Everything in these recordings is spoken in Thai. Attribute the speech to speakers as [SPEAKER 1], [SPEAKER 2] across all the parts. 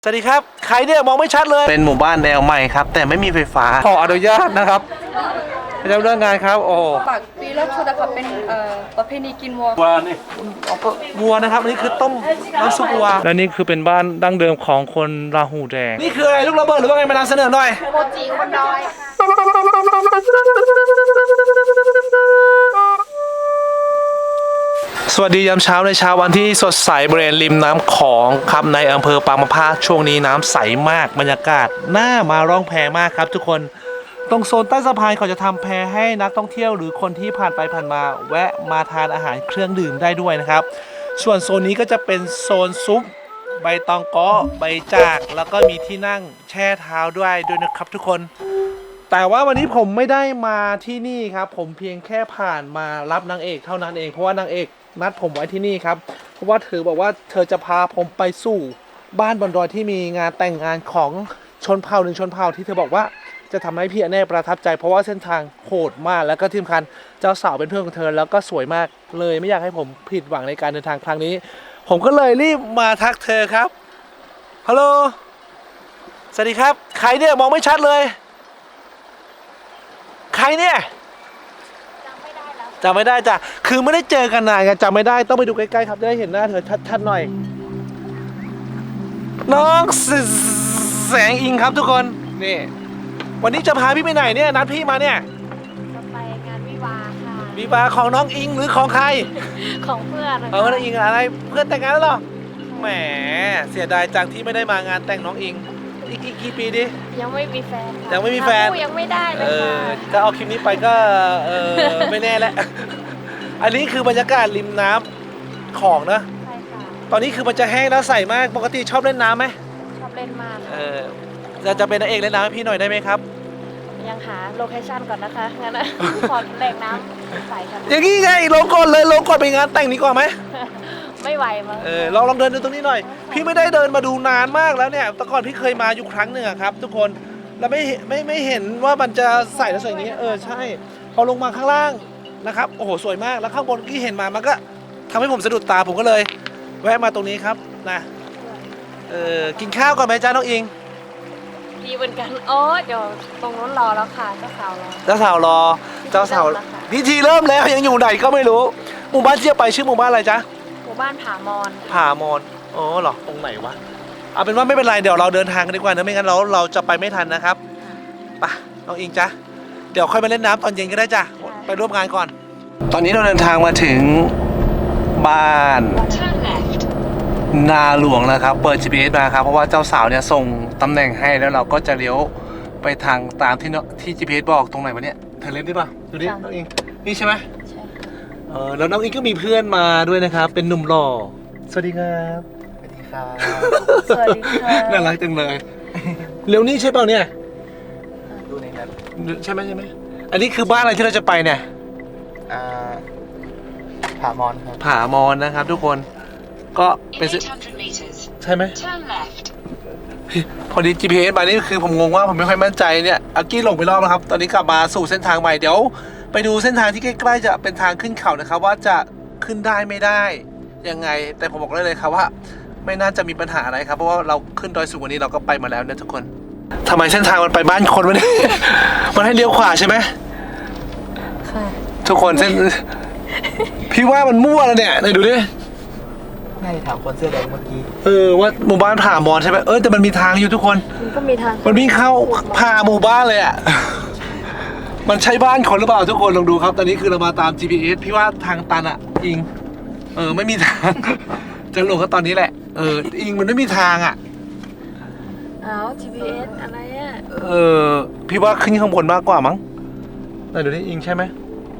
[SPEAKER 1] สวัสดีครับใครเนี่ยมองไม่ชัดเลยเป็นหมู่บ้านแนวใหม่ครับแต่ไม่มีไฟฟ้าขออนุญาตนะครับเจ้าเรื่องงานครับโอ้
[SPEAKER 2] ปากปีแล้วชุดนะคะเป็นประเพณีกินวัว
[SPEAKER 1] นี่วัวนะครับอันนี้คือต้มน้ำซุปวัวและนี่คือเป็นบ้านดั้งเดิมของคนราหูแดงนี่คืออะไรลูกระเบิดหรือว่าไงมานำเสนอหน่อย
[SPEAKER 2] โมจิบนดอย
[SPEAKER 1] สวัสดียามเช้าในเช้าวันที่สดใสบริเวณริมน้ำของครับในอำเภอปางมะพร้าวช่วงนี้น้ำใสมากบรรยากาศน่ามาร่องแพมากครับทุกคนตรงโซนใต้สะพานเขาจะทำแพให้นักท่องเที่ยวหรือคนที่ผ่านไปผ่านมาแวะมาทานอาหารเครื่องดื่มได้ด้วยนะครับส่วนโซนนี้ก็จะเป็นโซนซุปใบตองเกาะใบจากแล้วก็มีที่นั่งแช่เท้าด้วยนะครับทุกคนแต่ว่าวันนี้ผมไม่ได้มาที่นี่ครับผมเพียงแค่ผ่านมารับนางเอกเท่านั้นเองเพราะว่านางเอกนัดผมไว้ที่นี่ครับเพราะว่าเธอบอกว่าเธอจะพาผมไปสู่บ้านบนดอยที่มีงานแต่งงานของชนเผ่าหนึ่งชนเผ่าที่เธอบอกว่าจะทำให้พี่อเน่ประทับใจเพราะว่าเส้นทางโหดมากแล้วก็ที่สำคัญเจ้าสาวเป็นเพื่อนของเธอแล้วก็สวยมากเลยไม่อยากให้ผมผิดหวังในการเดินทางครั้งนี้ผมก็เลยรีบมาทักเธอครับฮัลโหลสวัสดีครับใครเนี่ยมองไม่ชัดเลยใครเนี่ยจำไม่ได้จ้ะคือไม่ได้เจอกันนานกันจำไม่ได้ต้องไปดูใกล้ๆครับจะได้เห็นหน้าเธอชัดๆหน่อยน้องแสงอิงครับทุกคนนี่วันนี้จะพาพี่ไปไหนเนี่ยนัดพี่มาเนี่ย
[SPEAKER 2] จะไปงานวิวาค่ะ
[SPEAKER 1] วิวาของน้องอิงหรือของใคร
[SPEAKER 2] ของเพื่อน
[SPEAKER 1] น้องอิงอะไรเพื่อนแต่งงานแล้วหรอแหมเสียดายจังที่ไม่ได้มางานแต่งน้องอิงอีกกี่ปีดิ
[SPEAKER 2] ยังไม่มีแฟน
[SPEAKER 1] ยังไม่มีแฟน
[SPEAKER 2] ยังไม่ได้เลยค่ะ
[SPEAKER 1] ถ้าเอาคลิปนี้ไปก็ไม่แน่แหละอันนี้คือบรรยากาศริมน้ำของนะ
[SPEAKER 2] ใช่ค่ะ
[SPEAKER 1] ตอนนี้คือมันจะแห้งแล้วใสมากปกติชอบเล่นน้ำไหม
[SPEAKER 2] ชอบเล่นมาก
[SPEAKER 1] จะเป็นนางเอกเล่นน้ำให้พี่หน่อยได้ไหมครับ
[SPEAKER 2] ยังหาโลเคชั่นก่อนนะคะงั้นขอแหล่งน้ำใสกัน
[SPEAKER 1] อย่างนี้ไงลงก่อนเลยลงก่อนไปงานแต่งนี้ก่อนไหม
[SPEAKER 2] ไม่ไหวมั้ง
[SPEAKER 1] ลองเดินดูตรงนี้หน่อยพี่ไม่ได้เดินมาดูนานมากแล้วเนี่ยแต่ก่อนพี่เคยมาอยู่ครั้งหนึ่งครับทุกคนแล้วไม่เห็นว่ามันจะใสแล้วสวยอย่างนี้ใช่พอลงมาข้างล่างนะครับโอ้โหสวยมากแล้วข้างบนที่เห็นมามันก็ทำให้ผมสะดุดตาผมก็เลยแวะมาตรงนี้ครับนะกินข้าวก่อนไหมจ้าน้องอิง
[SPEAKER 2] ดีเหมือนกันเดี๋ยวตรงนู้นรอแล้วค่ะเจ้าสาวรอ
[SPEAKER 1] พิธีเริ่มแล้วยังอยู่ไหนก็ไม่รู้หมู่บ้านที่จะไปชื่อหมู่บ้านอะไรจ๊ะ
[SPEAKER 2] หมู่บ้านผามอน
[SPEAKER 1] เหรอตรงไหนวะเอาเป็นว่าไม่เป็นไรเดี๋ยวเราเดินทางกันดีกว่านะไม่งั้นเราจะไปไม่ทันนะครับไปน้องอิงจ๊ะเดี๋ยวค่อยมาเล่นน้ำตอนเย็นก็ได้จ้ะไปร่วมงานก่อนตอนนี้เราเดินทางมาถึงบ้านนาหลวงแล้วครับเปิด GPS มาครับเพราะว่าเจ้าสาวเนี่ยส่งตำแหน่งให้แล้วเราก็จะเลี้ยวไปทางตามที่ GPS บอกตรงไหนวะเนี่ยเธอเล่นได้ป่ะดูดิน้องอิงนี่ใช่ไหม
[SPEAKER 2] ใช่
[SPEAKER 1] แล้วน้องอิงก็มีเพื่อนมาด้วยนะครับเป็นหนุ่มหล่อสวัสดีครับ
[SPEAKER 2] สวัสดีค่ะ
[SPEAKER 1] น่ารักจังเลยเร็วนี่ใช่เปล่าเนี่ย
[SPEAKER 3] ดูในนั้น
[SPEAKER 1] ใช่ไหมอันนี้คือบ้านอะไรที่เราจะไปเนี่ย
[SPEAKER 3] ผามอนครับ
[SPEAKER 1] ผามอนนะครับทุกคนก็เป็นใช่ไหมพอดี GPS มานี่คือผมงงว่าผมไม่ค่อยมั่นใจเนี่ยอากี้หลงไปรอบนะครับตอนนี้กลับมาสู่เส้นทางใหม่เดี๋ยวไปดูเส้นทางที่ใกล้ๆจะเป็นทางขึ้นเขานะครับว่าจะขึ้นได้ไม่ได้ยังไงแต่ผมบอกเลยครับว่าไม่น่าจะมีปัญหาอะไรครับเพราะว่าเราขึ้นดอยสูงกว่านี้เราก็ไปมาแล้วเนี่ยทุกคนทำไมเส้นทางมันไปบ้านคนวะเนี่ยมันให้เลี้ยวขวาใช่ไหม
[SPEAKER 2] ค่ะ
[SPEAKER 1] ทุกคนเส้นพี่ว่ามันมั่วแล้วเนี่ยไหนดูดิ
[SPEAKER 3] ให้ถามคนเสื้อแดงเมื่อกี้
[SPEAKER 1] ว่าหมู่บ้านผ่ามอนใช่ไหมแต่มันมีทางอยู่ทุกคน
[SPEAKER 2] มันก็มีทาง
[SPEAKER 1] มันวิ่งเข้าผ่าหมู่บ้านเลยอ่ะมันใช่บ้านคนหรือเปล่าทุกคนลองดูครับตอนนี้คือเรามาตาม GPS พี่ว่าทางตันอ่ะอิงไม่มีทางจะลงก็ตอนนี้แหละอิงมันไม่มีทางอ่ะ
[SPEAKER 2] GPS อะไรอ่ะ
[SPEAKER 1] พี่ว่าขึ้นข้างบนมากกว่ามั้งไหนดูดิอิงใช่ไหม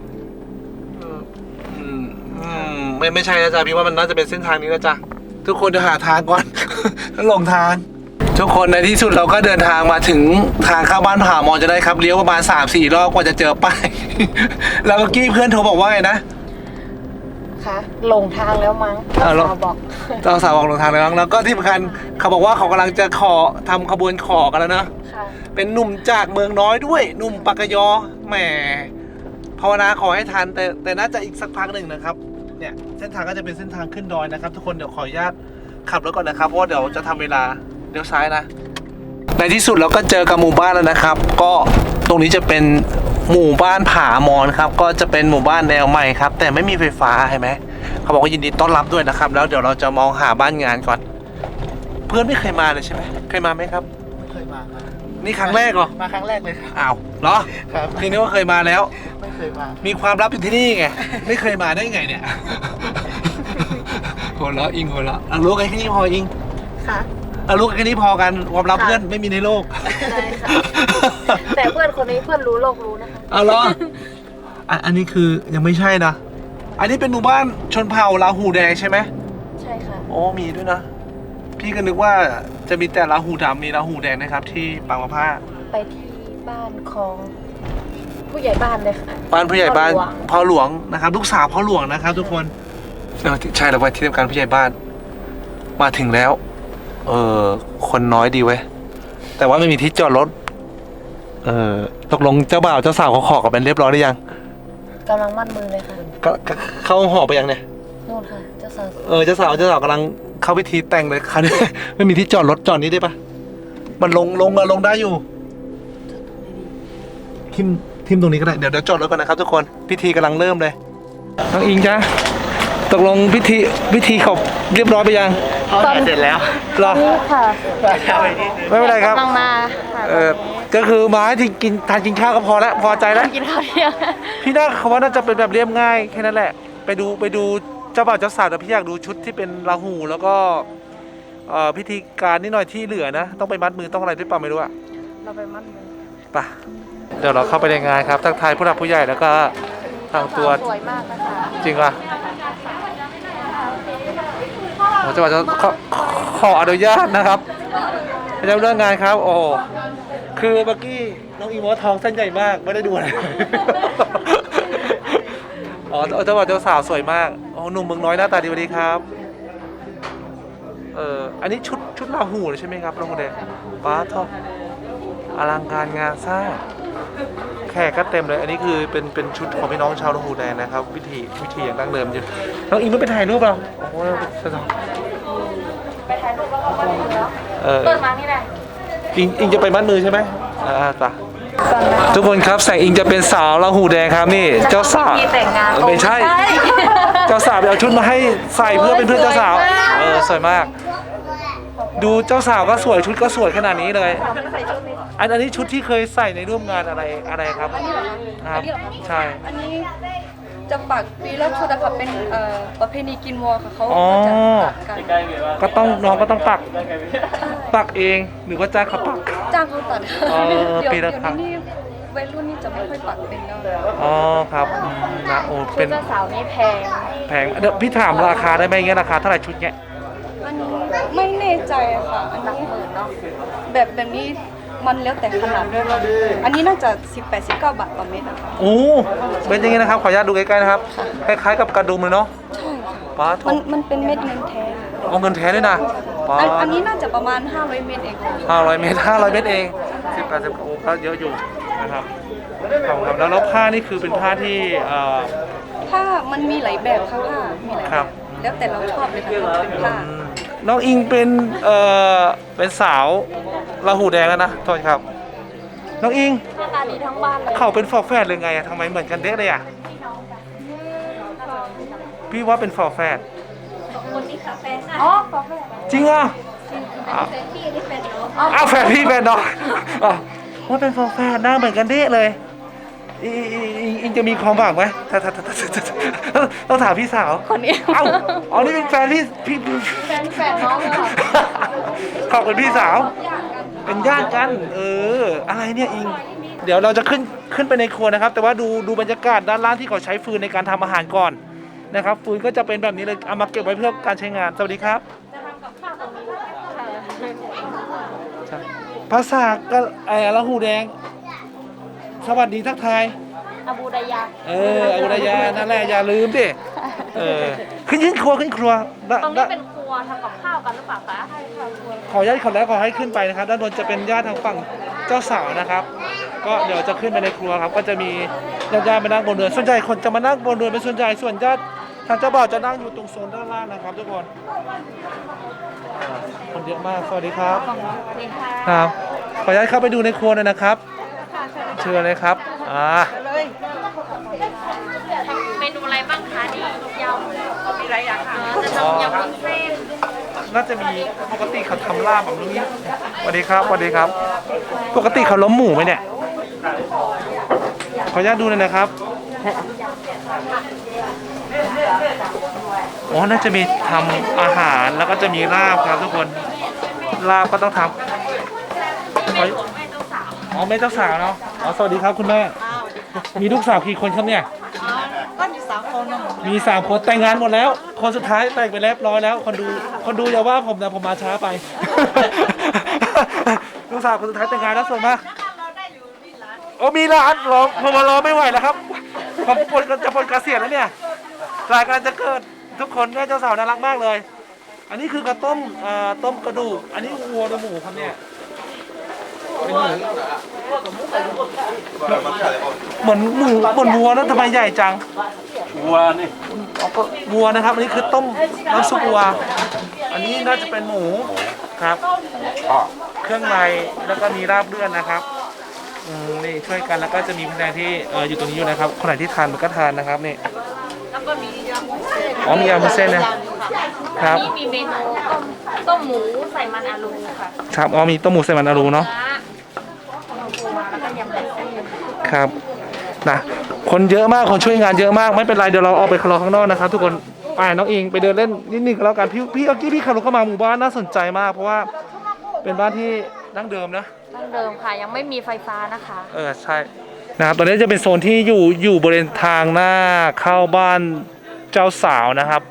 [SPEAKER 1] ไม่ใช่นะจ๊ะพี่ว่ามันน่าจะเป็นเส้นทางนี้นะจ๊ะทุกคนจะหาทางก่อนแล้วหลงทางทุกคนในที่สุดเราก็เดินทางมาถึงทางเข้าบ้านผามอนจะได้ครับเลี้ยวประมาณ 3-4 รอบกว่าจะเจอป้ายแล้วเมื่อกี้เพื่อนโทรบอกว่าไงนะ
[SPEAKER 2] ค่ะหลงทางแล้วมั้งเจ้าสาวบอก
[SPEAKER 1] หลงทางแล้วมั้งแล้วก็ที่สำคัญเขาบอกว่าเขากำลังจะทำขบวนขอกันแล้วนะเป็นหนุ่มจากเมืองน้อยด้วยหนุ่มปากกยอแหมภาวนาขอให้ทันแต่น่าจะอีกสักพักหนึ่งนะครับเนี่ยเส้นทางก็จะเป็นเส้นทางขึ้นดอยนะครับทุกคนเดี๋ยวขออนุญาตขับรถก่อนนะครับเพราะว่าเดี๋ยวจะทำเวลาเลี้ยวซ้ายนะในที่สุดเราก็เจอกับหมู่บ้านแล้วนะครับ ก็ตรงนี้จะเป็นหมู่บ้านผามอนครับก็จะเป็นหมู่บ้านแนวใหม่ครับแต่ไม่มีไฟฟ้าเห็นไหมเขาบอกว่ายินดีต้อนรับด้วยนะครับแล้วเดี๋ยวเราจะมองหาบ้านงานก่อน เพื่อนไม่เคยมาเลยใช่ไหมเคยมาไหมครับ
[SPEAKER 3] ไม่เคยมาครับ
[SPEAKER 1] นี่ครั้งแรกเหรอ
[SPEAKER 3] มาครั้งแรกเลยครับ
[SPEAKER 1] อ้าวเหรอ
[SPEAKER 3] ครับ
[SPEAKER 1] ทีนี้ว่าเคยมาแล้ว
[SPEAKER 3] ไม่เคยมา
[SPEAKER 1] มีความลับอยู่ที่นี่ไงไม่เคยมาได้ไงเนี่ยหัวเราะอิงหัวเราะเอารู้กันแค่นี้พออิง
[SPEAKER 2] ค่ะ
[SPEAKER 1] เอารู้กันแค่นี้พอกันความลับ
[SPEAKER 2] ค่ะ
[SPEAKER 1] เพื่อนไม่มีในโลก
[SPEAKER 2] ใช่ค่ะ แต่เพื่อนคนนี้เพื่อนรู้โลกรู้นะคะ
[SPEAKER 1] เอาเหรออันนี้คือยังไม่ใช่นะ อันนี้เป็นหมู่บ้านชนเผ่าลาหูแดงใช่ไหม
[SPEAKER 2] ใช่ค่ะ
[SPEAKER 1] โอ้มีด้วยนะ พี่ก็นึกว่าจะมีแต่ลาหูดำมีลาหูแดงนะครับที่ปางมะผ้า
[SPEAKER 2] ไปที่บ้านของผู้ใหญ่บ้านเลยค่ะ
[SPEAKER 1] บ้านผู้ใหญ่บ้าน
[SPEAKER 2] พ่อหลวง
[SPEAKER 1] พ่อหลวงนะครับ ลูกสาวพ่อหลวงนะครับทุกคนใช่แล้วไปที่ทำการผู้ใหญ่บ้านมาถึงแล้ว คนน้อยดีเว้ยแต่ว่าไม่มีที่จอดรถตกลงเจ้าบ่าวเจ้าสาวเขาขอกันเป็นเรียบร้อยหรือยัง
[SPEAKER 2] กำลังมัดมือเลยค่ะ
[SPEAKER 1] ก็เข้าหอไปยังเนี่ย
[SPEAKER 2] นู่นค่ะเจ้าสาว
[SPEAKER 1] เจ้าสาวกำลังเข้าพิธีแต่งเลยคันนี้ ไม่มีที่จอดรถจอดนี้ได้ปะมันลงได้อยู่ทิมตรงนี้ก็ได้เดี๋ยวจอดรถก่อนนะครับทุกคนพิธีกำลังเริ่มเลยน้องอิงจ้าตกลงพิธีเขาเรียบร้อยไปยัง
[SPEAKER 3] เขาถ่ายเสร็จแล้ว
[SPEAKER 1] เหรอ
[SPEAKER 2] นี่ค่ะ
[SPEAKER 1] ไม่เป็นไรครับ
[SPEAKER 2] กำลังมาค่ะ
[SPEAKER 1] ก็คือมาให้ทานกินข้าวก็พอแล้วพอใจแล้ว
[SPEAKER 2] กินข้าวเที่ยง
[SPEAKER 1] พี่น่าเขาว่าน่าจะเป็นแบบเรียบง่ายแค่นั้นแหละไปดูเจ้าบ่าวเจ้าสาวแต่พี่อยากดูชุดที่เป็นราหูแล้วก็พิธีการนิดหน่อยที่เหลือนะต้องไปมัดมือต้องอะไรด้วยเปล่าไม่รู้อะ
[SPEAKER 2] เราไปมัดมือ
[SPEAKER 1] ไปเดี๋ยวเราเข้าไปในงานครับทักทายผู้หลักผู้ใหญ่แล้วก็ทางตัว
[SPEAKER 2] สวยมากนะคะ
[SPEAKER 1] จริงป่ะผมจะขออนุญาตนะครับจะเรื่องงานครับโอ้คือเมื่อกี้น้องอีโมทองเส้นใหญ่มากไม่ได้ดูอะไร เจ้าบ่าวเจ้าสาวสวยมากโอ้หนุ่มเมืองน้อยหน้าตาดีสวัสดีครับอันนี้ชุดราหูเลยใช่ไหมครับราหูแดงบ้าทออลังการงานสร้างแขกก็เต็มเลยอันนี้คือเป็นชุดของพี่น้องชาวราหูแดงนะครับวิธีอย่างดั้งเดิมอยู่น้องอิงไม่ไปถ่ายรูปเปล่าโอ้โหไปถ่ายรูปแล้วก็มัดมือแล้วเปิดมานี่แหละอิงจะไปมัดมือใช่ไหมจ้ะทุกคนครับแสงอิงจะเป็นสาวราหูแดงครับนี่เจ้าสาว
[SPEAKER 2] มีแต่งงาน
[SPEAKER 1] ไม่ใช่ เจ้าสาวไปเอาชุดมาให้ใส่เพื่อเป็นเพื่อนเจ้าสาวสวยมากดูเจ้าสาวก็สวยชุดก็สวยขนาดนี้เลยอันนี้ชุดที่เคยใส่ในร่วมงานอะไรครับครับใช่
[SPEAKER 4] อันนี้จะปักปีละชุดนะคะเป็นประเพณีกินวัวค่ะเขา
[SPEAKER 1] อ๋อ
[SPEAKER 4] ก็จะปักกัน
[SPEAKER 1] ก็ต้องน้องก็ต้องปักเองหรือว่าจ้างเขาปัก
[SPEAKER 4] จ้างเขาตัด
[SPEAKER 1] อ๋อ
[SPEAKER 4] เดี๋ยว
[SPEAKER 1] ปีละ
[SPEAKER 4] เดี๋ยว
[SPEAKER 1] ครั้ง
[SPEAKER 4] นี้วัยรุ่นนี่จะไม่ค่อยปักเป็นแล้ว
[SPEAKER 1] อ๋อครับนะโอ้เป็น
[SPEAKER 2] เจ้าสาวนี่แพง
[SPEAKER 1] แพงเดี๋ยวพี่ถามราคาได้ไหมเงี้ยราคาเท่าไหร่ชุดเงี้ย
[SPEAKER 4] อันนี้ไม่แน่ใจค่ะอันนี้แบบนี้มันแล้วแต่ขนาดด้วยค่ะอันนี้น่าจะ18-19 บาทต่อเม็ดนะคะ
[SPEAKER 1] โอ้เป็นอย่างงี้นะครับขออนุญาตดูใกล้ๆนะครับคล้ายๆกับกระดุมเลยเนาะ
[SPEAKER 4] ใช่ค่ะ
[SPEAKER 1] ป้าท
[SPEAKER 4] มันเป็นเม็ดเงินแท้
[SPEAKER 1] เอาเงินแท้ด้วยนะป้า
[SPEAKER 4] อันนี้น่าจะประมาณ500 เม็ดเองค่ะ
[SPEAKER 1] 500 เมตร500 เมตรเอง18โอ้ก็เยอะอยู่นะครับขอบคุณครับแล้วผ้านี่คือเป็นผ้าที่
[SPEAKER 4] ผ้ามันมีหลายแบบค่ะผ้ามีหลาย
[SPEAKER 1] ครั
[SPEAKER 4] แบบ บแล้วแต่เราชอบเลยค่ะเป็นผ้า
[SPEAKER 1] น้องอิงเป็นสาวราหูแดงแล้วนะโทษครับน้องอิง
[SPEAKER 2] หน้าตาดีทั้งบ้านเลย
[SPEAKER 1] เขาเป็นฝอแฝดเลยไงอะทำไมเหมือนกันเด็กเลยอะพี่ว่าเป็นฝอแฝด
[SPEAKER 2] อ๋อขอแฟน
[SPEAKER 1] จริงอ่ะอ้าวแฝดพี่แฝดน้องอ๋อว่าเป็นฝอแฝดหน้าเหมือนกันเด็กเลยอิงจะมีความหวังไหมต้องถามพี่สาว
[SPEAKER 2] คนนี้
[SPEAKER 1] เอ้าอ๋อนี่เป็นแฟนพี่
[SPEAKER 2] แฟนน้องเลยค่ะ
[SPEAKER 1] ขอบคุณพี่สาว เป็นญาติกัน อะไรเนี่ยอิง เดี๋ยวเราจะขึ้นไปในครัวนะครับ แต่ว่าดูบรรยากาศด้านล่างที่เขาใช้ฟืนในการทำอาหารก่อนนะครับ ฟืนก็จะเป็นแบบนี้เลย เอามาเก็บไว้เพื่อการใช้งาน สวัสดีครับ
[SPEAKER 2] จะทำกับข้าวตรงนี้ค่ะ
[SPEAKER 1] ภาษาก็ละหูแดง สวัสดีทักทาย
[SPEAKER 2] อาบูดายา
[SPEAKER 1] อาวุธยานั่นแหละอย่าลืมดิขึ้นครัว
[SPEAKER 2] ตรงนี้เป็นครัวทำกับข้าวกันหรือเปล่าคะใช่ค่ะครัว
[SPEAKER 1] ขออนุญาตขอแล้วขอให้ขึ้นไปนะครับ ด้านบนจะเป็นญาติทางฝั่งเจ้าสาวนะครับ ก็เดี๋ยวจะขึ้นไปในครัวครับ ก็จะมีญาติๆมานั่งบนเรือนส่วนใหญ่คนจะมานั่งบนเรือนเป็นส่วนใหญ่ส่วนญาติทางเจ้าบ่าวจะนั่งอยู่ตรงโซนด้านล่างนะครับทุกคนคนเยอะมากสวัสดีครับ
[SPEAKER 2] สวัสดีค่ะ
[SPEAKER 1] ครับขออนุญาตเข้าไปดูในครัวหน่อยนะครับเชิญเลยครับ
[SPEAKER 2] เมนูอะไรบ้างคะนี่ยำมีอะไรอย่างคะจะทำยำวุ้นเส้น
[SPEAKER 1] น่าจะมีปกติเขาทำลาบแบบนี้สวัสดีครับสวัสดีครับ ปกติเขาล้มหมูไหมเนี่ยขออนุญาตดูหน่อยนะครับอ๋อน่าจะมีทำอาหารแล้วก็จะมีลาบครับทุกคนลาบก็ต้องทำอ๋อแม่เจ้าสาวเนาะอ๋อสวัสดีครับคุณแม่มีลูกสาวกี่คนครับเนี่ย
[SPEAKER 4] ก็อยู่3 คน
[SPEAKER 1] มี3 คนแต่งงานหมดแล้ว คนสุดท้ายแต่งไปเรียบร้อยแล้วคนดูอย่าว่าผมนะผมมาช้าไป ลูกสาวคนสุดท้ายแต่งงานแล้วส่วนมากโอ้มีร้านรอผมมารอไม่ไหวแล้วครับผมจะพ้นเกษียณแล้วเนี่ยรายการจะเกิดทุกคนแม่เจ้าสาวน่ารักมากเลย อันนี้คือกระต้มต้มกระดูกอันนี้วัวหรือหมูครับเนี่ยเป็นหมูเหมือนวัวนะทำไมใหญ่จังวัวนี่ก็วัวนะครับอันนี้คือต้มน้ำซุปวัวอันนี้น่าจะเป็นหมูครับเครื่องในแล้วก็มีราบเลือดนะครับนี่ช่วยกันแล้วก็จะมีพนักงานที่อยู่ตรงนี้อยู่นะครับคนไหนที่ทานมันก็ทานนะครับนี่
[SPEAKER 2] แล้วก็มียำวุ้นเส้น
[SPEAKER 1] อ๋อมียำวุ้นเส้นนะครับ
[SPEAKER 2] นี่มีเมนูต้มหมูใส่มันอาลูค่ะ
[SPEAKER 1] ครับอ๋อมีต้มหมูใส่มันอารูเนาะ
[SPEAKER 2] ปูมาแล้วก็ยำวุ้นเส้น
[SPEAKER 1] ครับนะคนเยอะมากคนช่วยงานเยอะมากไม่เป็นไรเดี๋ยวเราออกไปรอข้างนอกนะครับทุกคนไปน้องอิงไปเดินเล่นนิดนึงก็แล้วกันพี่เมื่อกี้พี่ขับรถเข้ามาหมู่บ้านน่าสนใจมากเพราะว่าเป็นบ้านที่ดั้งเดิมนะ
[SPEAKER 2] ดั้งเดิมค่ะยังไม่มีไฟฟ้านะคะ
[SPEAKER 1] ใช่นะครับตอนนี้จะเป็นโซนที่อยู่บริเวณทางหน้าเข้าบ้านเจ้าสาวนะครับ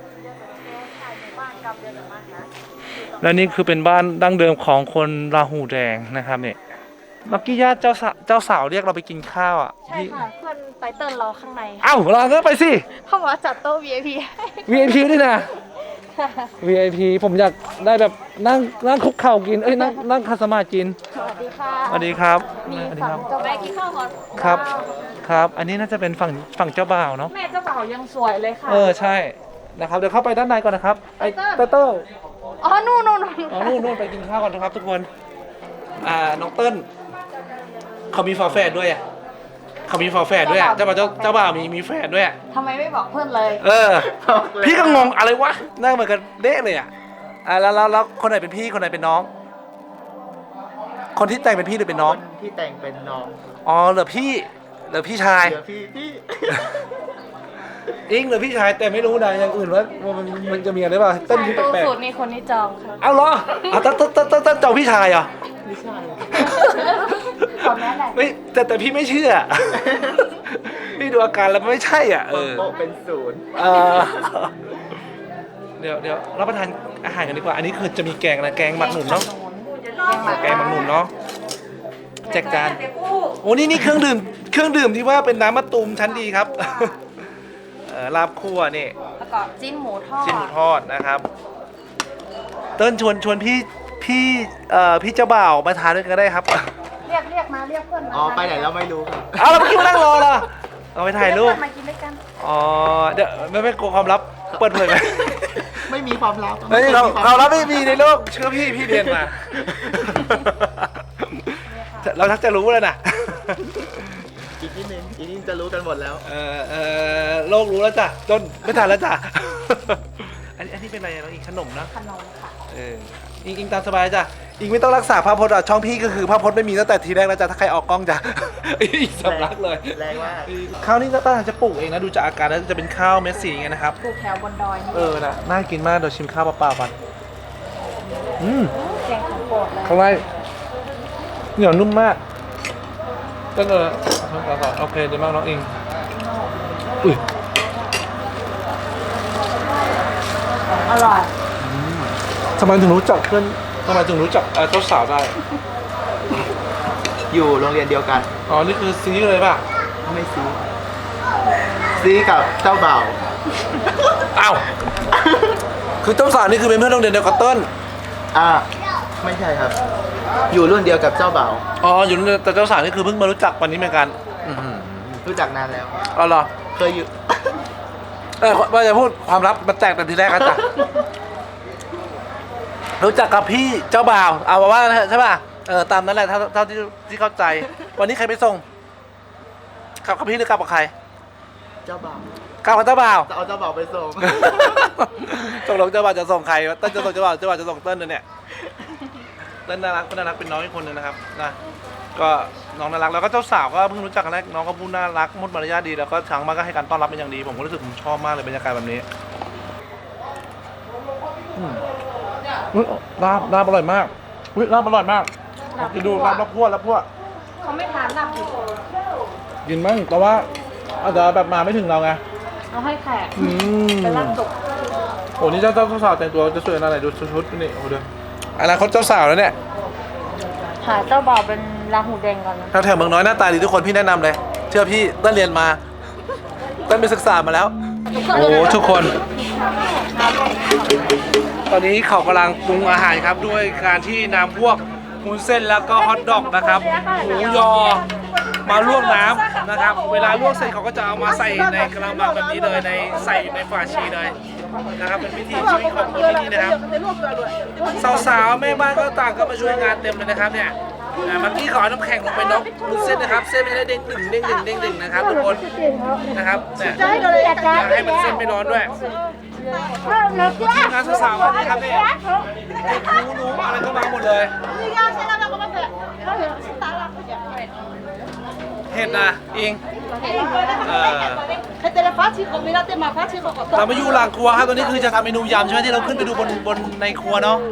[SPEAKER 1] และนี่คือเป็นบ้านดั้งเดิมของคนราหูแดงนะครับเนี่ยเมื่อกี้ญาติเจ้าสาวเรียกเราไปกินข้าวอ่ะ
[SPEAKER 2] ใช่ค่ะเพื่อนไตเติ้ลรอข้างใน
[SPEAKER 1] เอ้าเราก็ไปสิ
[SPEAKER 2] เขาบอกว่าจัดโต๊ะ VIP
[SPEAKER 1] VIP ด้วยนะ VIP ผมอยากได้แบบนั่งคุกเข่ากินนั่งคาสมาธิกิน
[SPEAKER 2] สวัสดีค่ะ
[SPEAKER 1] สวัสดีครับ
[SPEAKER 2] มี
[SPEAKER 1] สวัสดี
[SPEAKER 2] ฝั่
[SPEAKER 1] ครั
[SPEAKER 2] ง
[SPEAKER 1] บ
[SPEAKER 2] เจ้าแม่กินข้าวก่อน
[SPEAKER 1] ครับอันนี้น่าจะเป็นฝั่งเจ้าบ่าวเนาะ
[SPEAKER 2] แม่เจ้าบ่าวยังสวยเลยค่ะ
[SPEAKER 1] ใช่นะครับเดี๋ยวเข้าไปด้านในก่อนนะครับไอ้เต้ล
[SPEAKER 2] อ๋อนู่น
[SPEAKER 1] อ๋อนู่นไปกินข้าวก่อนนะครับทุกคนน้องเติ้ลเขามีฝาแฝดด้วยอ่ะเขามีฝาแฝดด้วยอะเจ้าบ่าวมีแฝดด้วยอะ
[SPEAKER 2] ทำไมไม่บอกเพื่อนเลย
[SPEAKER 1] พี่ก็งงอะไรวะหน้าเหมือนกันเด๊ะเลยอ่ะแล้วคนไหนเป็นพี่คนไหนเป็นน้อง คนที่แต่งเป็นพี่หรือเป็นน้อง
[SPEAKER 3] คนที่แต่งเป็นน้อง
[SPEAKER 1] อ๋อเหลือพี่ชาย
[SPEAKER 3] เหลือพี่
[SPEAKER 1] อิงเหลือพี่ชายแต่ไม่รู้นะอย่างอื่นว่ามันจะมีอะไรบ้างเต้นที่
[SPEAKER 2] ตู้
[SPEAKER 1] แปลก
[SPEAKER 2] สูตรนี่คนที่จองค่ะ
[SPEAKER 1] ๆเอาเหรอต้นเจ้าพี่ชายเหรอ
[SPEAKER 3] ไม่ใช่
[SPEAKER 2] ขอแม่แหละ
[SPEAKER 1] ไม่แต่พี่ไม่เชื่อ พี่ดูอาการแล้วมันไม่ใช่อ่ะ
[SPEAKER 3] โต๊ะเป็นศูนย์
[SPEAKER 1] เดี๋ยวรับประทานอาหารกันดีกว่าอันนี้คือจะมีแกงนะแกงหมักหนุนเนาะแกงหมักหนุนเนาะแจกจานโอ้นี่เครื่องดื่มที่ว่าเป็นน้ำมะตูมชั้นดีครับ ลาบคั่วนี่
[SPEAKER 2] แล้วก็จิ้นหมูทอด
[SPEAKER 1] ชิ้นหมูทอดนะครับเติ้ลชวนพี่เจ้าบ่าวมาทานด้วยกันก็ได้ครับ
[SPEAKER 2] เรียกมาเรียกเพื่อนมา
[SPEAKER 3] อ๋อไปไหนแล้วไม่รู้ครับ
[SPEAKER 1] เอาแล้วเมื่อกี้มานั่งรอเหรอเอาไปถ่ายรูป
[SPEAKER 2] เรีกเพื่อนมากินด้วยกัน
[SPEAKER 1] อ๋อเดี๋ยวไม่กลัวความลับเปิดเผยไหม
[SPEAKER 3] ไม่มีความลับ
[SPEAKER 1] เฮ้ยเรารับไม่มีในโลกเชื่อพี่เรียนมา เราทักจะรู้แล้วนะ
[SPEAKER 3] อีกนิดนึงจะรู้กันหมดแล้ว
[SPEAKER 1] โลกรู้แล้วจ้ะจนไม่ทันแล้วจ้ะ อันนี้เป็นอะไรน้องอิงขนมนะ
[SPEAKER 2] ขนมค่ะ
[SPEAKER 1] อิงตามสบายจ้ะอิงไม่ต้องรักษาภาพพจน์อ่ะช่องพี่ก็คือภาพพจน์ไม่มีตั้งแต่ทีแรกแล้วจ้ะถ้าใครออกกล้องจ้ะ อิงสำลักเลย
[SPEAKER 3] แรงมาก
[SPEAKER 1] ข้าวนี่ก็ตั้งใจจะปลูกเองนะดูจากอาการแล้วจะเป็นข้าวเม็ดสีไงนะครับ
[SPEAKER 2] ปลูกแถวบนดอยนี่
[SPEAKER 1] นะน่ากินมากเดี๋ยวชิมข้าวเปล่าๆก่อน
[SPEAKER 2] แกงของโปรดเลย
[SPEAKER 1] ข้างในเหนียวนุ่มมากก็ทำต่อโอเคดีมากน้องอิงอุ้ย
[SPEAKER 2] อร่อย
[SPEAKER 1] ทำไมถึงรู้จักเพื่อนทำไมถึงรู้จักเจ้าสาวได้
[SPEAKER 3] อยู่โรงเรียนเดียวกัน
[SPEAKER 1] อ๋อนี่คือซีเลยป่ะ
[SPEAKER 3] ไม่ซีกับเจ้าบ่าว
[SPEAKER 1] อ้าวคือเจ้าสาวนี่คือเป็นเพื่อนโรงเรียนเดียวกับเติ้ล
[SPEAKER 3] ไม่ใช่ครับ อยู่รุ่นเดียวกับเจ้าบ่าว
[SPEAKER 1] อ๋ออยู่แต่เจ้าสาวนี่คือเพิ่งมารู้จักวันนี้เหมือนกัน
[SPEAKER 3] รู้จักนานแล้ว
[SPEAKER 1] อ๋อเหรอ
[SPEAKER 3] เคยอยู่
[SPEAKER 1] ว่าจะพูดความลับมันแตกแต่ทีแรกกันจ้ะรู้จักกับพี่เจ้าบ่าวเอาว่าใช่ป่ะตามนั้นแหละเท่าที่เข้าใจ วันนี้ใครไปส่งขับกับพี่หรือกลับกับใคร
[SPEAKER 3] เจ้าบ่าว
[SPEAKER 1] กลับกับเจ้าบ่าว
[SPEAKER 3] จะเอาเจ้าบ่าวไปส่ง
[SPEAKER 1] ตกลงเจ้าบ่าวจะส่งใครเต้นจะส่งเจ้าบ่าวจะส่งเต้นเนี่ยเต้นน่ารักเป็นน้องอีกคนนึงนะครับนะก็น้องน่ารักแล้วก็เจ้าสาวก็เพิ่งรู้จักกันแรกน้องก็พูดน่ารักมุดมารยาทดีแล้วก็ทางบ้านก็ให้การต้อนรับเป็นอย่างดีผมก็รู้สึกผมชอบมากเลยบรรยากาศแบบนี้ลาบอร่อยมากลาบอร่อยมากกินดูลาบพวด
[SPEAKER 2] เขาไม่ทานลาบดิบ
[SPEAKER 1] กินมั้งแต่ว่าอาจจะแบบมาไม่ถึงเราไง
[SPEAKER 2] เอาให้แขก
[SPEAKER 1] อืม
[SPEAKER 2] เป็นลาบสุก
[SPEAKER 1] โอ้นี่เจ้าสาวแต่งตัวจะสวยขนาดไหนดูชุดนี่โอ้โหเดี๋ยวอนาคตเจ้าสาวแล้วเนี่ย
[SPEAKER 2] หาเจ้าบ่าวเป็นราหูแดงก่อนนะ
[SPEAKER 1] แถวเมืองน้อยหน้าตาดีทุกคนพี่แนะนำเลยเชื่อพี่เต้นเรียนมาเต้นไปศึกษามาแล้วโอ้ทุกคน ตอนนี้เขากำลังปรุงอาหารครับด้วยการที่นำพวกวุ้นเส้นแล้วก็ฮอทดอกนะครับหมูยอมาลวกน้ำนะครับเวลาลวกเสร็จเขาก็จะเอามาใส่ในกระมังแบบนี้เลยใส่ในฝาชีเลยนะครับเป็นวิธีชีวิตของคนที่นี่นะครับสาวๆแม่บ้านก็ต่างก็มาช่วยงานเต็มเลยนะครับเนี่ยเมื่อกี้ขอน้ำแข็งลงไปน็อกวุ้นเส้นนะครับเส้นไม่ได้เด้งดึงนะครับทุกคนนะครับเนี่ยให้มันเส้นไม่ร้อนด้วยงานสาวๆวันนี้ครับเนี่ยรู้อะไรก็มาหมดเลยเห็ดนะอิงเรามาอยู่หลังครัวครับตอนนี้คือจะทำเมนูยำใช่ไหมที่เราขึ้นไปดูบนในครัวเนาะ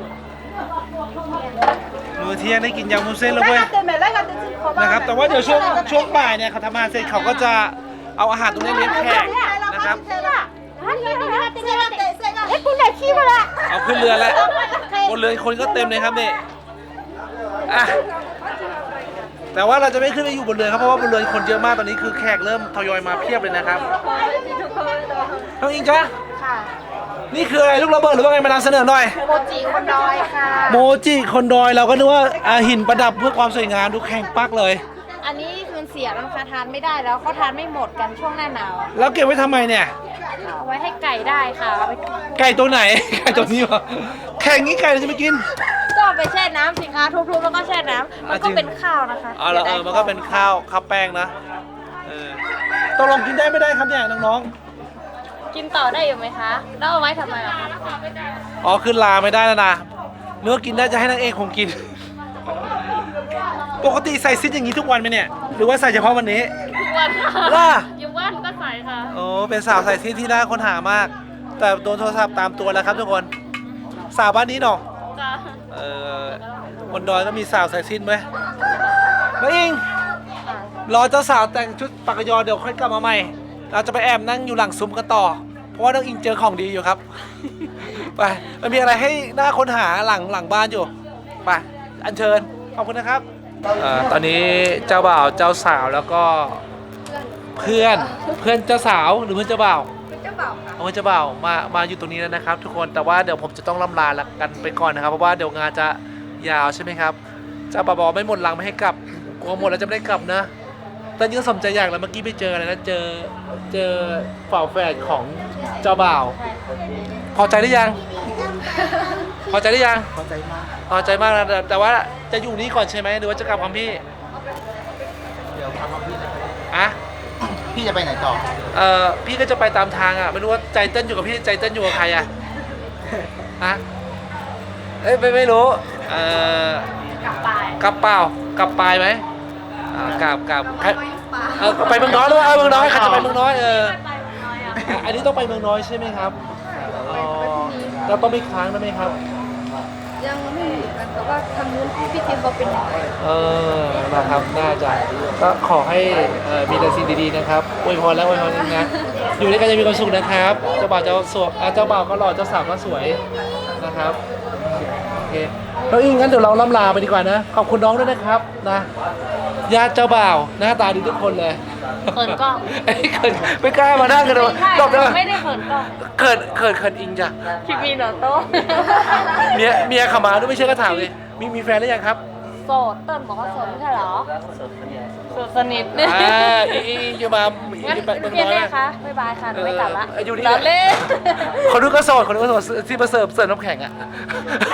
[SPEAKER 1] มื้อเที่ยงได้กินยำวุ้นเส้นแล้วเว้ยนะครับแต่ว่าเดี๋ยวช่วงบ่ายเนี่ยเขาทำอาหารเสร็จเขาก็จะเอาอาหารตรงนี้เลี้ยงแขกนะครับเอาขึ้นเรือแล้วบนเรือคนก็เต็มเลยครับนี่อ่ะแต่ว่าเราจะไม่ขึ้นไปอยู่บนเรือครับเพราะว่าบนเรือคนเยอะมากตอนนี้คือแขกเริ่มทยอยมาเพียบเลยนะครับน้องอิงจ้ะค่ะนี่คืออะไรลูกระเบิดหรือว่าไงมานำเสนอหน่อย
[SPEAKER 2] โมจิคนดอยค่ะ
[SPEAKER 1] โมจิคนดอยเราก็นึกว่าหินประดับเพื่อความสวยงามดูแข็งปักเลย
[SPEAKER 2] อันนี้มันเสียแล้วนะคะทานไม่ได้แล้วเขาทานไม่หมดกันช่วงหน้าหนาว
[SPEAKER 1] แล้วเก็บไว้ทำไมเนี่ย
[SPEAKER 2] เอาไว้ให้ไก่ได้ค่ะเอาไป
[SPEAKER 1] ไก่ตัวไหนไก่ตัวนี้วะแข็งงี้ไก่จะไม่กิน
[SPEAKER 2] ก็ไปแช่น้ำสิคะทุบๆแล้วก็แช่น้ำมันก็เป็นข้าวนะคะ
[SPEAKER 1] มันก็เป็นข้าวแป้งนะตกลงกินได้ไม่ได้ครับเนี่ยน้อง
[SPEAKER 2] ๆกินต่อได้อยู่ไหมคะแล้วเอาไว้ทำไมล่ะคะ
[SPEAKER 1] อ๋อขึ้นลาไม่ได้แล้วนะเนื้อกินได้จะให้นางเอกคงกินปกติใส่ซิดอย่างนี้ทุกวันไหมเนี่ยหรือว่าใส่เฉพาะวันนี้
[SPEAKER 2] ทุกวันค่ะ
[SPEAKER 1] ล่ะ
[SPEAKER 2] อยู่บ้านก็ใส่ค่ะ
[SPEAKER 1] โอ้เป็นสาวใส่ซิดที่น่าค้นหามากแต่โดนโทรศัพท์ตามตัวแล้วครับทุกคนสาวบ้านนี้เนาะบนดอยก็มีสาวใส่ซิดไหมแล้วอิงรอเจ้าสาวแต่งชุดปากยอเดี๋ยวค่อยกลับมาใหม่เราจะไปแอบนั่งอยู่หลังซุ้มกันต่อเพราะว่าน้องอิงเจอของดีอยู่ครับไปมันมีอะไรให้น่าค้นหาหลังบ้านอยู่ไปอัญเชิญขอบคุณนะครับตอนนี้เจ้าบ่าวเจ้าสาวแล้วก็เพื่อนเจ้าสาวหรือเพื่อนเจ้าบ่าว
[SPEAKER 4] เป็นเจ้าบ่าวค่ะ
[SPEAKER 1] เพื่อนเจ้าบ่าวมาอยู่ตรงนี้แล้วนะครับทุกคนแต่ว่าเดี๋ยวผมจะต้องล่ำลากันไปก่อนนะครับเพราะว่าเดี๋ยวงานจะยาวใช่ไหมครับเจ้าบ่าวบอกไม่หมดหลังไม่ให้กลับกลัวหมดแล้วจะไม่ได้กลับนะแต่ยังสมใจอยากแล้วเมื่อกี้ไปเจออะไรนะเจอฝาแฝดของเจ้าบ่าวพอใจหรือยังพอใจหรือยัง
[SPEAKER 3] พอใจมาก
[SPEAKER 1] พอใจมากนะแต่ว่าจะอยู่นี่ก่อนใช่ไหมหรือว่าจะกลับพร้อมพี่
[SPEAKER 3] เดี๋ยวพาพี่นะ
[SPEAKER 1] อะ
[SPEAKER 3] พี่จะไปไหนต่อ
[SPEAKER 1] พี่ก็จะไปตามทางอ่ะไม่รู้ว่าใจเต้นอยู่กับพี่ใจเต้นอยู่กับใครอ่ะฮะไม่รู้
[SPEAKER 2] กลับ
[SPEAKER 1] ไปไหมกลับไปเมืองน้อยหรือว่าเมืองน้อยใครจะไปเมืองน้อยอันนี้ต้องไปเมืองน้อยใช่ไหมครับเราต้องไปค้างได้ไหมครับ
[SPEAKER 4] ยังไม่กันแต่ว่าทางนู้นพี่ทีมเขาเป็นยังไง
[SPEAKER 1] นะครับน่าจะก็ขอให้มีแต่สิ่งดีๆนะครับอวยพรนะอยู่ด้วยกันจะมีความสุขนะครับเจ้าบ่าวเจ้าบ่าวก็หล่อเจ้าสาวก็สวยนะครับโอเคแล้วอีกงั้นเดี๋ยวเราล่ำลาไปดีกว่านะขอบคุณน้องด้วยนะครับนะญาติเจ้าบ่าวหน้าตาดีทุกคนเลย
[SPEAKER 2] เขินกล้อง
[SPEAKER 1] ไม่กล้ามานั่งกันเลย
[SPEAKER 2] ไม่ได้เขินกล้อง
[SPEAKER 1] เขินอิงจ้ะ
[SPEAKER 2] คิมีโนโต้
[SPEAKER 1] เมียขมาด้วยไม่ใช่ก็ถามเลยมีแฟนหรือยังครับ
[SPEAKER 2] โสดเติ้ลบอกว่าโสดไม่ใช่เหรอโสดสนิท
[SPEAKER 1] อีอยู่มา
[SPEAKER 2] พี่เล่คะบ๊ายบายค่ะไม่กลับละ
[SPEAKER 1] อยู่นี่
[SPEAKER 2] เล่น
[SPEAKER 1] คนนู้นก็โสดที่มาเสิร์ฟน้ำแข็งอ่ะ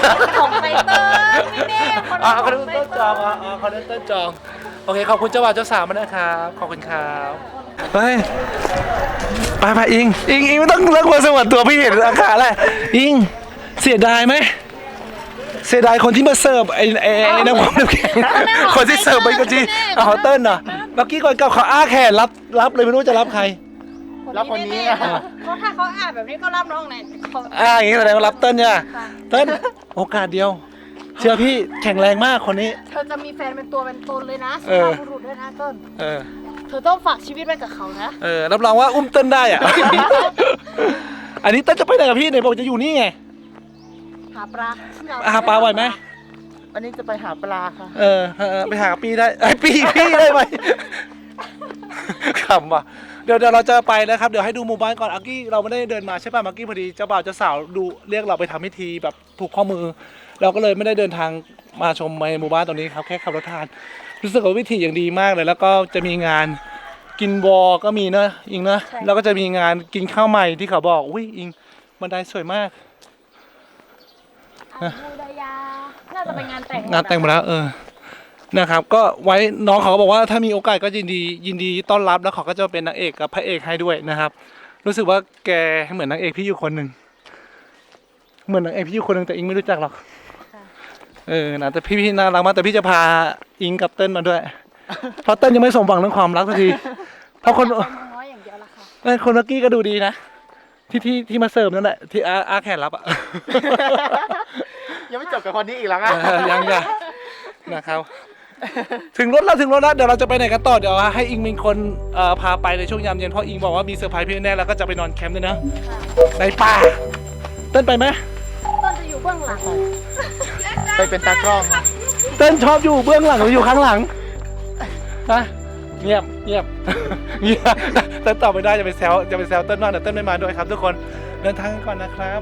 [SPEAKER 2] ของไตเติ้ลไม่แน่คน
[SPEAKER 1] อ๋อ
[SPEAKER 2] ละ
[SPEAKER 1] เขาเดินต้นจองอ๋อเขาเดินต้นจองโอเคขอบคุณเจ้าบ่าวเจ้าสาวมากนะครับขอบคุณครับเฮ้ยไปอิงไม่ต้องเลิกมาสวัสดิ์ตัวพี่เห็นอาการแล้วอิงเสียดายไหมเสียดายคนที่มาเสิร์ฟไอ้น้ำมันน้ำแข็งคนที่เสิร์ฟไปก็จีเอาเติ้ลเหรอเมื่อกี้ก่อนกับเขาอ้าแขนรับเลยไม่รู้จะรับใคร
[SPEAKER 3] แล้วคนนี้
[SPEAKER 2] เขาถ้าเขาอ่านแบบนี้ก็รับน้องไหนเขา
[SPEAKER 1] อย่างนี้แสดงว่ารับเติ้ลเนี่ยเติ้ลโอกาสเดียว เชื่อพี่แข็งแรงมากคนนี้
[SPEAKER 2] เธอจะมีแฟนเป็นตัวเป็นตนเลยนะสุ
[SPEAKER 1] เออ
[SPEAKER 2] ภาพบุรุษด้วยนะต้น
[SPEAKER 1] เออ
[SPEAKER 2] เธอต้องฝากชีวิตไว้กับเขานะ
[SPEAKER 1] รับรองว่าอุ้มเติ้ลได้อ่ะ อันนี้เติ้ลจะไปไหนกับพี่เนี่ยบอกจะอยู่นี่ไง
[SPEAKER 2] หาปลา
[SPEAKER 1] หาปลาไหวไหม
[SPEAKER 3] วันนี้จะไปหาปลาค่ะ
[SPEAKER 1] ไปหาปีได้พี่ได้ไหมขำว่ะเดี๋ยวเราจะไปนะครับเดี๋ยวให้ดูหมู่บ้านก่อนอากี้เราไม่ได้เดินมาใช่ป่ะเมื่อกี้พอดีเจ้าบ่าวเจ้าสาวดูเรียกเราไปทำพิธีแบบผูกข้อมือ เราก็เลยไม่ได้เดินทางมาชมในหมู่บ้านตรงนี้ครับแค่ขับรถผ่านรู้สึกว่าวิธีอย่างดีมากเลย แล้วก็จะมีงานกินวอก็มีเนอะอิงเนอะแล้วก็จะมีงานกินข้าวใหม่ที่เขาบอกอุ้ยอิงบันไดสวยมาก
[SPEAKER 2] บูดายาน่าจะเป็นงานแต่ง
[SPEAKER 1] งานแต่งหมดแล้วนะครับ ก็ไว้น้องเขาก็บอกว่าถ้ามีโอกาสก็ยินดีต้อนรับแล้วเขาก็จะเป็นนางเอกกับพระเอกให้ด้วยนะครับ รู้สึกว่าแกเหมือนนางเอกพี่อยู่คนหนึ่งเหมือนนางเอกพี่อยู่คนหนึ่งแต่อิงไม่รู้จักหรอกนะแต่พี่น่ารักมากแต่พี่จะพาอิงกับเติ้ลมาด้วย เพราะเติ้ลยังไม่สมหวังเรื่องความรักสักทีเพราะคน
[SPEAKER 2] น้อยอย่างเดียวละค่ะ
[SPEAKER 1] คนเมื่อกี้ก็ดูดีนะที่มาเสิร์ฟนั่นแหละที่อาแขนรับอ่ะ
[SPEAKER 3] ยังไม่จบกับคนนี้อีกแล้วอ่ะ
[SPEAKER 1] ยังนะครับ ถึงรถแล้วเดี๋ยวเราจะไปไหนกันต่อเดี๋ยวให้อิงเป็นคนพาไปในช่วงยามเย็นเพราะอิงบอกว่ามีเซอร์ไพรส์พี่แน่แล้วก็จะไปนอนแคมป์ด้วยนะในป่าเต้นไปไหม
[SPEAKER 2] ต้นจะอยู่เบื้องหลัง
[SPEAKER 3] ไปเป็นตากล้อง
[SPEAKER 1] เต้นชอบอยู่เบื้องหลังหรืออยู่ข้างหลังนะเงียบ เงียบเต้นตอบไม่ได้จะไปแซวเต้นมากเดี๋ยวเต้นไม่มาด้วยครับทุกคนเดินทางกันก่อนนะครับ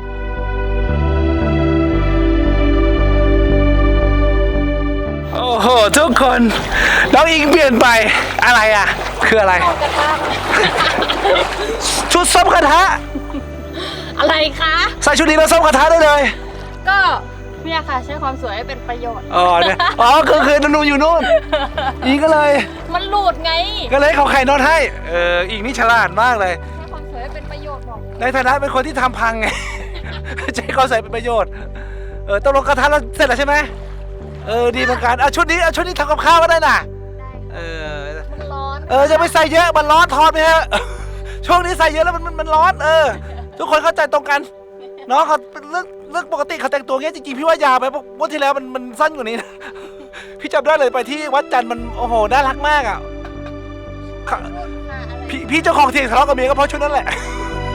[SPEAKER 1] โอ้โหทุกคนน้องอิงเปลี่ยนไปอะไรอ่ะคืออะไร
[SPEAKER 2] กระทะ
[SPEAKER 1] ชุดส้มกระทะ
[SPEAKER 2] อะไรคะ
[SPEAKER 1] ใส่ชุดนี้แล้วส้มกระทะได้เลย
[SPEAKER 2] ก็เนี่ยค่ะใช้ความสวยให้เป็นประโยชน์
[SPEAKER 1] เนี่ยคือนูอยู่นู่นอิงก็เลย
[SPEAKER 2] มันหลุดไง
[SPEAKER 1] ก็เลยเขาไข่นอนให้อิงนี่ฉลาดมากเลย
[SPEAKER 2] ใช้ความสวยให้เป็นประโยชน์บอก
[SPEAKER 1] ในฐานะเป็นคนที่ทำพังไง ใช้เขาใส่เป็นประโยชน์ตกลงกระทะเราเสร็จแล้วใช่ไหมดีเหมือนกันชุดนี้ทำกับข้าวก็ได้น่ะ
[SPEAKER 2] มันร้อน
[SPEAKER 1] จะไม่ใส่เยอะมันร้อนทอดไปเถอะ ช่วงนี้ใส่เยอะแล้วมันร้อนทุกคนเข้าใจตรงกันน้องเขาเรื่องปกติเขาแต่งตัวเงี้ยจริงๆพี่ว่ายาวไปวันที่แล้วมันสั้นกว่านี้นะ พี่จำได้เลยไปที่วัดจันทร์มันโอ้โหน่ารักมากอ่ะพี่เจ้าของเถียงทะเลาะกับเมียก็เพราะชุดนั้นแหละ